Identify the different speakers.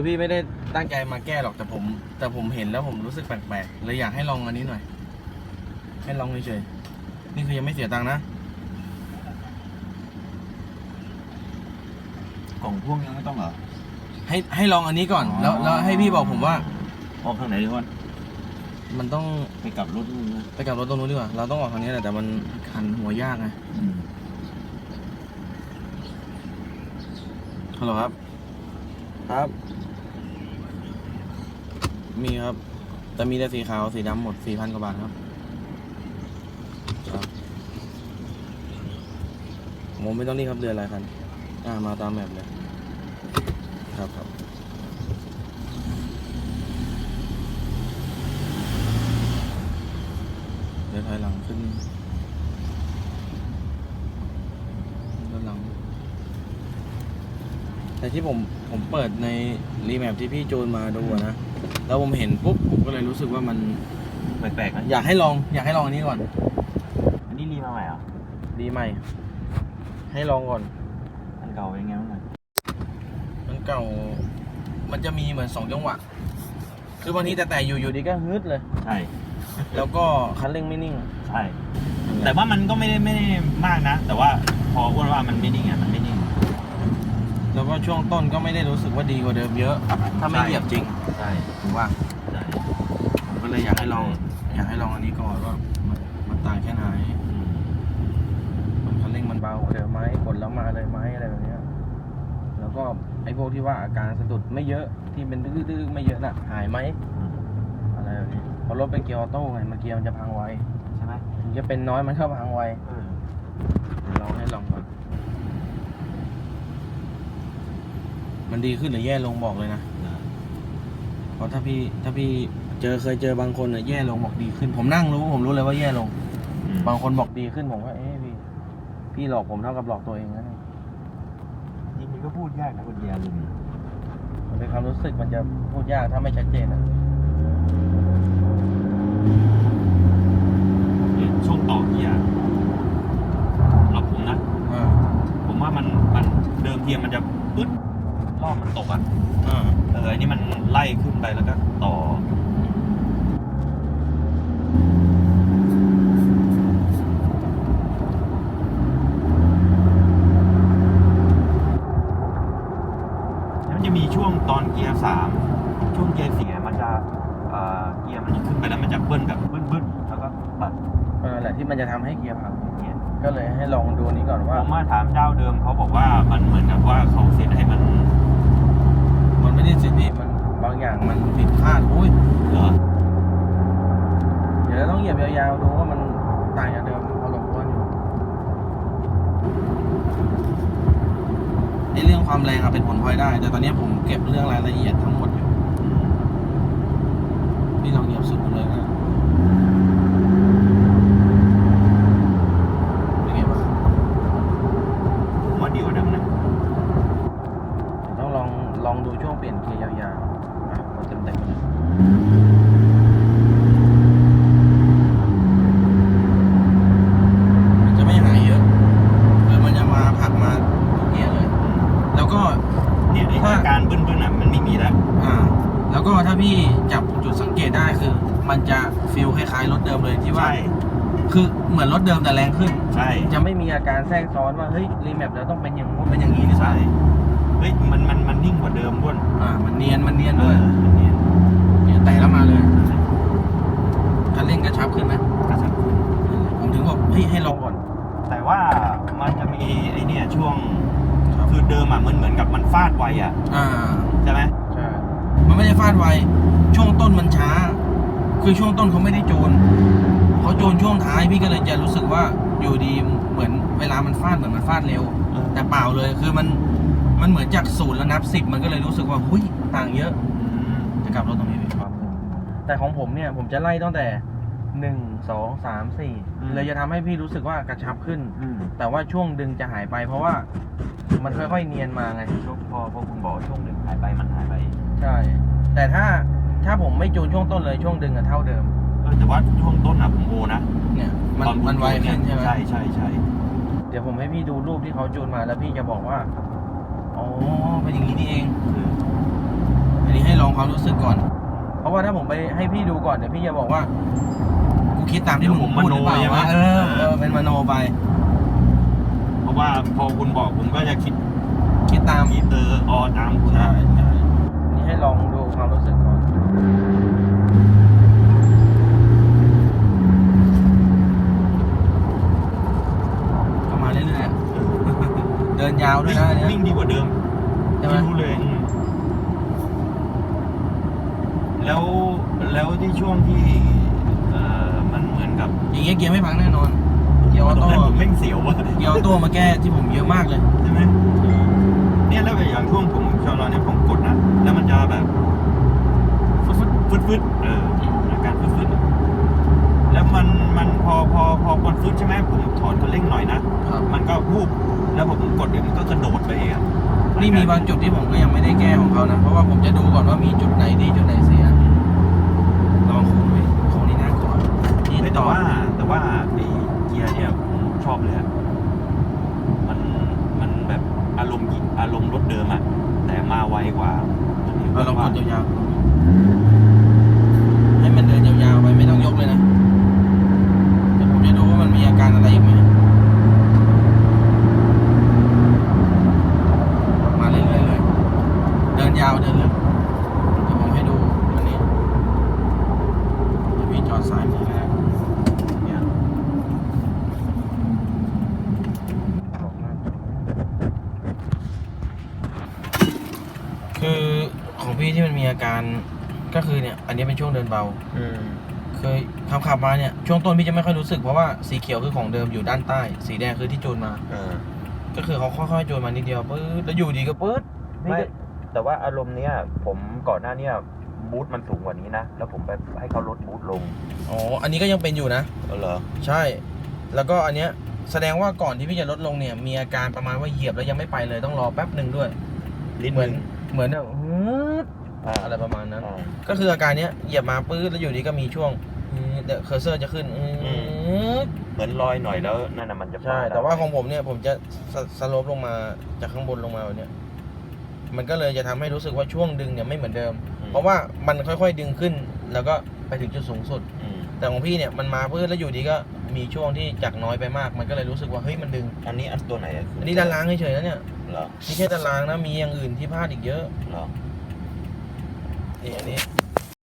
Speaker 1: คือพี่ไม่ได้ตั้งใจมาแก้หรอกแต่ผมเห็นแล้วผมรู้สึกแปลกๆเลยอยากให้ลองอันนี้หน่อยให้ลองเฉยๆนี่คือยังไม่เสียตังค์นะ
Speaker 2: กล่องพ่วงยังไม่ต้องเหรอ
Speaker 1: ให้ลองอันนี้ก่อนแล้วให้พี่บอกผมว่า
Speaker 2: ออกทางไหนดีวะ
Speaker 1: มันต้อง
Speaker 2: ไปกลับรถนู่นนะ
Speaker 1: ไปกลับรถตรงนู้นดีกว่าเราต้องออกทางนี้แหละแต่มันคันหัวยากไงฮัลโหลครับมีครับแต่มีแต่สีขาวสีดำหมด 4,000 กว่าบาทครับผมไม่ต้องนี่ครับเดือนอะไรกันมาตามแบบเลยครับเดี๋ยวถอยหลังขึ้นด้านหลังแต่ที่ผมเปิดในรีแมปที่พี่จูนมาดูนะแล้วผมเห็นปุ๊บผมก็เลยรู้สึกว่ามัน
Speaker 2: แปลกๆนะ
Speaker 1: อยากให้ลองอันนี้ก่อน
Speaker 2: อันนี้รีมาใหม่เหรอ
Speaker 1: รีใหม่ให้ลองก่อน
Speaker 2: อันเก่าเป็นไงบ้าง
Speaker 1: มันเก่ามันจะมีเหมือน2 จังหวะคือบางทีแต่อยู่ดีก็ฮึดเลย
Speaker 2: ใช่
Speaker 1: แล้วก็คันเร่งไม่นิ่ง
Speaker 2: ใช่แต่ว่ามันก็ไม่ได้มากนะแต่ว่าพออ้วนว่ามันไม่นิ่งมันไม่นิ่ง
Speaker 1: แล้วก็ช่วงต้นก็ไม่ได้รู้สึกว่าดีกว่าเดิมเยอะถ้าไม่เหยียบจริง
Speaker 2: ใช่
Speaker 1: ถูกว่า
Speaker 2: ใช่
Speaker 1: ผมก็เลยอยากให้ลองอันนี้ก่อนว่ามันต่างแค่ไหนมันคันเร่งมันเบากว่าเดิมไหมกดแล้วมาเลยไหมอะไรแบบนี้แล้วก็ไอ้พวกที่ว่าอาการสะดุดไม่เยอะที่เป็นดื้อๆไม่เยอะน่ะหายไหมอะไรแบบนี้เพราะรถเป็นเกียร์ออโต้ไงเมื่อกี้มันจะพังไว
Speaker 2: ใช่ไหม
Speaker 1: ถึงจะเป็นน้อยมันเข้าพังไวเราให้ลองก่อนมันดีขึ้นหรือแย่ลงบอกเลยนะเพราะถ้าพี่เคยเจอบางคนเนี่ยแย่ลงบอกดีขึ้นผมนั่งผมรู้เลยว่าแย่ลงบางคนบอกดีขึ้นผมว่าพี่หลอกผมเท่ากับหลอกตัวเองนะ
Speaker 2: จริงๆก็พูดยากนะคนเดียวลุง
Speaker 1: มันเป็นความรู้สึกมันจะพูดยากถ้าไม่ชัดเจนนะ
Speaker 2: ช่วงต่อเกียร์เราผมนะผมว่ามันเดิมเกียร์มันจะปึ๊ดรอบมันตกอ่ะอันนี้มันไล่ขึ้นไปแล้วก็ต่อมันจะมีช่วงตอนเกียร์3ช่วงเกียร์4มันจะเกียร์มันขึ้นไปแล้วมันจะเบิ้ลแบบบึ้นแล้วก็ตัด
Speaker 1: แหละที่มันจะทำให้เกียร์พังก็เลยให้ลองดูนี้ก่อนว่า
Speaker 2: ผมมาถามเจ้าเดิมเขาบอกว่ามันเหมือนกับว่าเขาเซตให้มัน
Speaker 1: ไม่ได้เซตมันบางอย่างมันผิดพลาดอุ้ย
Speaker 2: เหรอ
Speaker 1: เดี๋ยวเราต้องเหยียบยาวๆดูว่ามันต่างจากเดิมพอสมควรอยู่ในเรื่องความแรงเป็นผลพลอยได้แต่ตอนนี้ผมเก็บเรื่องรายละเอียดทั้งหมดอยู่พี่ลองเหยียบสุดเลยนะเป็นไงบ้าง
Speaker 2: ผมว่าดีกว่าเดิมนะ
Speaker 1: ต้องลองดูช่วงเปลี่ยนเกียร์ยาวๆเต็มเลยมันจะไม่หายเยอะคือมันจะมาผักมาทุกเกียร์เลยแล้วก็
Speaker 2: เนี่ยถ้าการบึ้นมันไม่มีแล้ว
Speaker 1: แล้วก็ถ้าพี่จับจุดสังเกตได้คือมันจะฟีลคล้ายๆรถเดิมเลยที่ว่าคือเหมือนรถเดิมแต่แรงขึ้น
Speaker 2: ใช่
Speaker 1: จะไม่มีอาการแทรกซ้อนว่าเฮ้ยรีแมปแล้วต้องเป็นอย่างนู้นเป็นอย่างนี้นี่
Speaker 2: ใช่เฮ้ยมันนิ่งกว่าเดิมด้วย
Speaker 1: มันเนียนด้วยเนี่ยแต่แล้วมาเลยคันเร่งกระชับขึ้นไหม
Speaker 2: กระชับขึ้น
Speaker 1: ผมถึงบอกเฮ้ยให้ลองก่อน
Speaker 2: แต่ว่ามันจะมีไอ้เนี่ยช่วงคือเดิมมันเหมือนกับมันฟาดไวใช่ไหม
Speaker 1: ใช่มันไม่ได้ฟาดไวช่วงต้นมันช้าคือช่วงต้นเขาไม่ได้จูนเขาจูนช่วงท้ายพี่ก็เลยจะรู้สึกว่าอยู่ดีเหมือนเวลามันฟาดเหมือนมันฟาดเร็วแต่เปล่าเลยคือมันเหมือนจาก0แล้วนับ10มันก็เลยรู้สึกว่าหุ้ยต่างเยอะจะกลับรถตรงนี้เป็นความแต่ของผมเนี่ยผมจะไล่ตั้งแต่1 2 3 4เลยจะทำให้พี่รู้สึกว่ากระชับขึ้นแต่ว่าช่วงดึงจะหายไปเพราะว่ามันค่อยๆเนียนมาไง
Speaker 2: พอคุณบอกช่วงดึงหายไปมันหายไป
Speaker 1: ใช่แต่ถ้าผมไม่จูนช่วงต้นเลยช่วงดึงเท่าเดิม
Speaker 2: แต่ว่าช่วงต้นผมโอนะ
Speaker 1: เนี่ยมันไวขึ้นใช่ไหม
Speaker 2: ใช่
Speaker 1: เดี๋ยวผมให้พี่ดูรูปที่เขาจูนมาแล้วพี่จะบอกว่าอ๋อเป็นอย่างนี้นี่เองนนี้ให้ลองความรู้สึกก่อน เพราะว่าถ้าผมไปให้พี่ดูก่อนเดี๋ยวพี่จะบอกว่ากูคิดตามที่มึงพูดหรือเปล่าวะเป็นมโนไป
Speaker 2: เพราะว่าพอคุณบอกผมก็จะคิด
Speaker 1: ตาม
Speaker 2: ตามคุณ
Speaker 1: ใช่นี่ให้ลองดูความรู้สึกก่อนก็มาเรื่อยๆเดินยาวด้วยนะอันเนี้ย
Speaker 2: วิ่งดีกว่าเดิม
Speaker 1: ใช่ไหม
Speaker 2: รู้เลยแล้วที่ช่วงที่มันเหมือนกับ
Speaker 1: อย่างเงี้ยเกียร์ไม่พังแน่นอนเกียร์ออ
Speaker 2: ตรง
Speaker 1: โต้
Speaker 2: นั้นผมแม่งเสียวว่ะ
Speaker 1: เกียร์ออโต้มาแก้ที่ผมเยอะมากเลย
Speaker 2: ใช่ไหมเนี่ยแล้วอย่างช่วงผมชะลอเนี่ยผมกดนะแล้วมันจะแบบฟึดอาการฟึดแล้วมันพอมันฟึดใช่ไหมผมถอนคันเร่งหน่อยนะ
Speaker 1: ครับ
Speaker 2: มันก็วูบแล้วผมกดเดี๋ยวมันก็กระโดดไปเอง
Speaker 1: นี่มีบางจุดที่ผมก็ยังไม่ได้แก้ของเขานะเพราะว่าผมจะดูก่อนว่ามีจุดไหนดีจุดไหนเสียลองโค้งไปโค้งนี่น่ากลัวนี่
Speaker 2: แต่
Speaker 1: ต่อ
Speaker 2: ว่าไอ้เกียร์เนี่ยผมชอบเลยอะมันแบบอารมณ์รถเดิมอะแต่มาไวกว่า
Speaker 1: ลองกดยาวๆให้มันเดินยาวๆไปไม่ต้องยกเลยนะแต่ผมจะดูว่ามันมีอาการอะไรอีกไหมมาเรื่อยๆเลยเดินยาวเดินลึกเดี๋ยวผมให้ดูอันนี้เดี๋ยวพี่จอดซ้ายมือแล้วเนี่ยคือของพี่ที่มันมีอาการก็คือเนี่ยอันนี้เป็นช่วงเดินเบาเคยขับมาเนี่ยช่วงต้นพี่จะไม่ค่อยรู้สึกเพราะว่าสีเขียวคือของเดิมอยู่ด้านใต้สีแดงคือที่จูนมาก็คือเขาค่อยๆจูนมานิดเดียวปื๊ดแล้วอยู่ดีก็ปื๊ด
Speaker 2: ไม่แต่ว่าอารมณ์เนี้ยผมก่อนหน้าเนี้ยบูทมันสูงกว่านี้นะแล้วผมไปให้เขาลดบูทลง
Speaker 1: อ๋ออันนี้ก็ยังเป็นอยู่นะ
Speaker 2: เหรอ
Speaker 1: ใช่แล้วก็อันเนี้ยแสดงว่าก่อนที่พี่จะลดลงเนี่ยมีอาการประมาณว่าเหยียบแล้วยังไม่ไปเลยต้องรอแป๊บหนึ่งด้วย เหมือนแบบอะไรประมาณนั้น ก็คืออาการเนี้ยเหยียบมาปื๊ดแล้วอยู่ดีก็มีช่วงเดี๋ยวเคอร์เซอร์จะขึ้น
Speaker 2: เหมือนลอยหน่อยแล้วนั่นน่ะมันจะ
Speaker 1: ใช่แต่ว่าของผมเนี่ยผมจะสโลปลงมาจากข้างบนลงมาแบบเนี้ยมันก็เลยจะทำให้รู้สึกว่าช่วงดึงเนี่ยไม่เหมือนเดิม เพราะว่ามันค่อยๆดึงขึ้นแล้วก็ไปถึงจุดสูงสุดแต่ของพี่เนี่ยมันมาปื๊ดแล้วอยู่ดีก็มีช่วงที่จากน้อยไปมากมันก็เลยรู้สึกว่าเฮ้ยมันดึง
Speaker 2: อันนี้อันตัวไหนอะ
Speaker 1: อันนี้ด้านล่างเฉยๆนะเนี่ย
Speaker 2: เหรอ
Speaker 1: นี่แค่ด้านล่างนะมีอย่างอื่นที่พลาดอีกเยอะ
Speaker 2: เหรอ
Speaker 1: นี่อันนี้